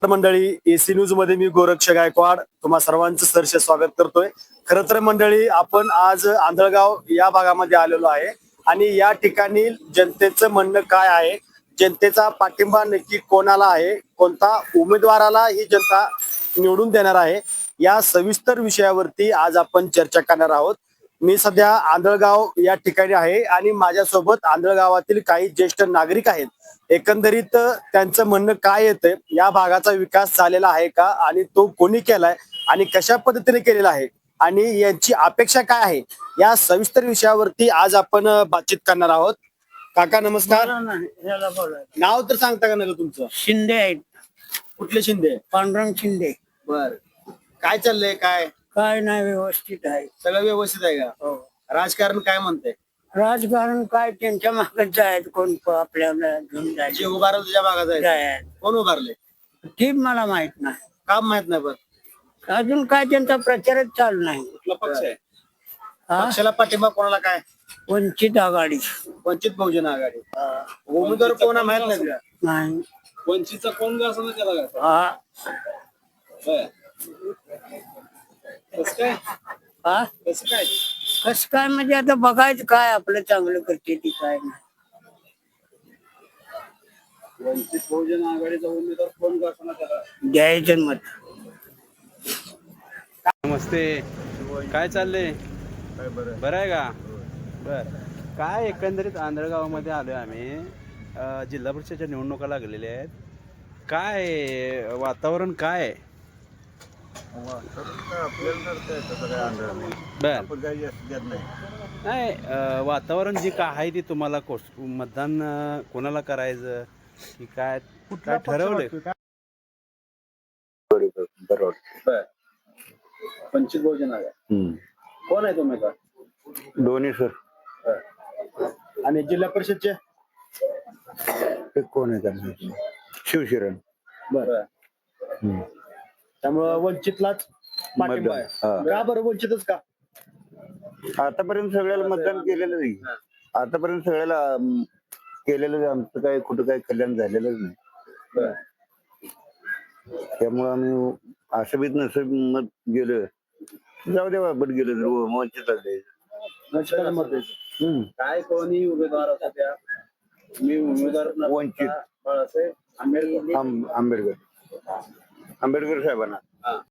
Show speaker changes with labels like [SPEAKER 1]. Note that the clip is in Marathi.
[SPEAKER 1] मंडळी, एसी न्यूज मध्ये मी गोरक्ष गायकवाड तुम्हा सर्वांचं सहर्ष स्वागत करतोय. खरं तर मंडळी, आपण आज आंधळगाव या भागामध्ये आलेलो आहे आणि या ठिकाणी जनतेचं म्हणणं काय आहे, जनतेचा पाठिंबा नक्की कोणाला आहे, कोणता उमेदवाराला ही जनता निवडून देणार आहे, या सविस्तर विषयावरती आज आपण चर्चा करणार आहोत. मी सध्या आंधळगाव या ठिकाणी आहे आणि माझ्यासोबत आंधळगावातील काही ज्येष्ठ नागरिक आहेत. एकंदरीत त्यांचं म्हणणं काय येतंय, या भागाचा विकास झालेला आहे का आणि तो कोणी केलाय आणि कशा पद्धतीने केलेला आहे आणि यांची अपेक्षा काय आहे, या सविस्तर विषयावरती आज आपण बातचीत करणार आहोत. काका नमस्कार. नाव तर सांगता का नका तुमचं?
[SPEAKER 2] शिंदे आहेत.
[SPEAKER 1] कुठले शिंदे?
[SPEAKER 2] पांडुरंग शिंदे.
[SPEAKER 1] बर, काय चाललंय?
[SPEAKER 2] काय नाही, व्यवस्थित आहे.
[SPEAKER 1] सगळं व्यवस्थित आहे का?
[SPEAKER 2] हो.
[SPEAKER 1] राजकारण काय म्हणतंय?
[SPEAKER 2] राजकारण काय त्यांच्या मागच आहेत, कोण आपल्याला घेऊन
[SPEAKER 1] जे
[SPEAKER 2] जायचे
[SPEAKER 1] उभारलं तुझ्या भागात आहे,
[SPEAKER 2] आहेत.
[SPEAKER 1] कोण उभारले?
[SPEAKER 2] ते मला माहित नाही.
[SPEAKER 1] काम माहित नाही. बरं,
[SPEAKER 2] अजून काय त्यांचा प्रचारच चालू नाही.
[SPEAKER 1] कुठला पक्ष आहे?
[SPEAKER 2] हा?
[SPEAKER 1] पक्षाला पाठिंबा कोणाला? काय
[SPEAKER 2] वंचित आघाडी.
[SPEAKER 1] वंचित बहुजन आघाडी. उमेदवार कोण आहे माहित नाही का?
[SPEAKER 2] नाही.
[SPEAKER 1] वंचितचा कोण का असं त्याला काय?
[SPEAKER 2] हा.
[SPEAKER 1] कसं काय?
[SPEAKER 2] हा?
[SPEAKER 1] कसं काय?
[SPEAKER 2] कस काय म्हणजे आता बघायचं काय आपलं चांगलं करते ती काय नाही.
[SPEAKER 1] वंचित बहुजन आघाडीचा उमेदवार कोण का असं त्याला
[SPEAKER 2] द्यायचं मत.
[SPEAKER 3] नमस्ते, काय चाललंय? बरं आहे का? बर, काय एकंदरीत आंधळगावामध्ये आलोय आम्ही. जिल्हा परिषदेच्या निवडणुका लागलेल्या आहेत. काय वातावरण काय आहे? नाही, वातावरण जे काय आहे ते तुम्हाला मतदान कोणाला करायचं की काय काय ठरवलंय?
[SPEAKER 1] वंचित बहुजन आघाडी. कोण आहे उमेदवार?
[SPEAKER 4] दोन्ही सर.
[SPEAKER 1] आणि जिल्हा परिषदचे
[SPEAKER 4] ते कोण आहे त्यांना? शिवशरण.
[SPEAKER 1] बरं, त्यामुळं वंचितलाच पाठिंबा आहे.
[SPEAKER 4] हा.
[SPEAKER 1] का बरं वंचितच का?
[SPEAKER 4] आतापर्यंत सगळ्याला मतदान केलेलं नाही. आतापर्यंत सगळ्याला केलेलं, आमचं काय कुठं काय कल्याण झालेलंच नाही. त्यामुळं आम्ही असं बीत नसं मत गेलं, जाऊ द्या बट गेलं तर वंचितच द्यायचं.
[SPEAKER 1] वंचितला मत द्यायचं. काय कोणी उमेदवार असू द्या, मी उमेदवार
[SPEAKER 4] वंचित.
[SPEAKER 1] बाळासाहेब आंबेडकर.
[SPEAKER 4] आंबेडकर साहेबांना.